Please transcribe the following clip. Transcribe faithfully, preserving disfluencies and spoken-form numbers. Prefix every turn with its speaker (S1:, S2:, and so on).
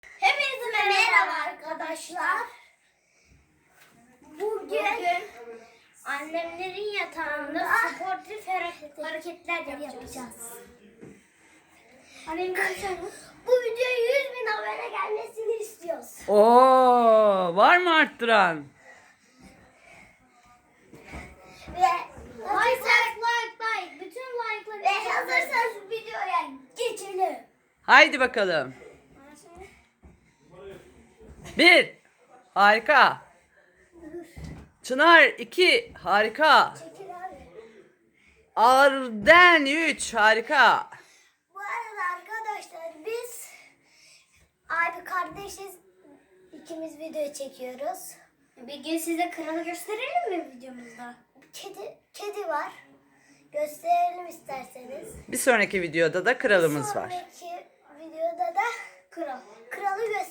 S1: Hepinize merhaba arkadaşlar. Bugün, Bugün annemlerin yatağında sportif hareketler yapacağız. Annem bu videoya yüz bin abone gelmesini istiyoruz.
S2: Oo, var mı arttıran?
S1: Ve like like like bütün like'ları ve hazırsanız videoya geçelim.
S2: Haydi bakalım. Bir. Harika. Çınar iki. Harika.
S1: Çekil abi.
S2: Arden üç. Harika.
S1: Bu arada arkadaşlar biz abi kardeşiz, ikimiz video çekiyoruz. Bir gün size kralı gösterelim mi videomuzda? Kedi kedi var. Gösterelim isterseniz.
S2: Bir sonraki videoda da kralımız var.
S1: Sonraki videoda da kral. Kralı gösterelim.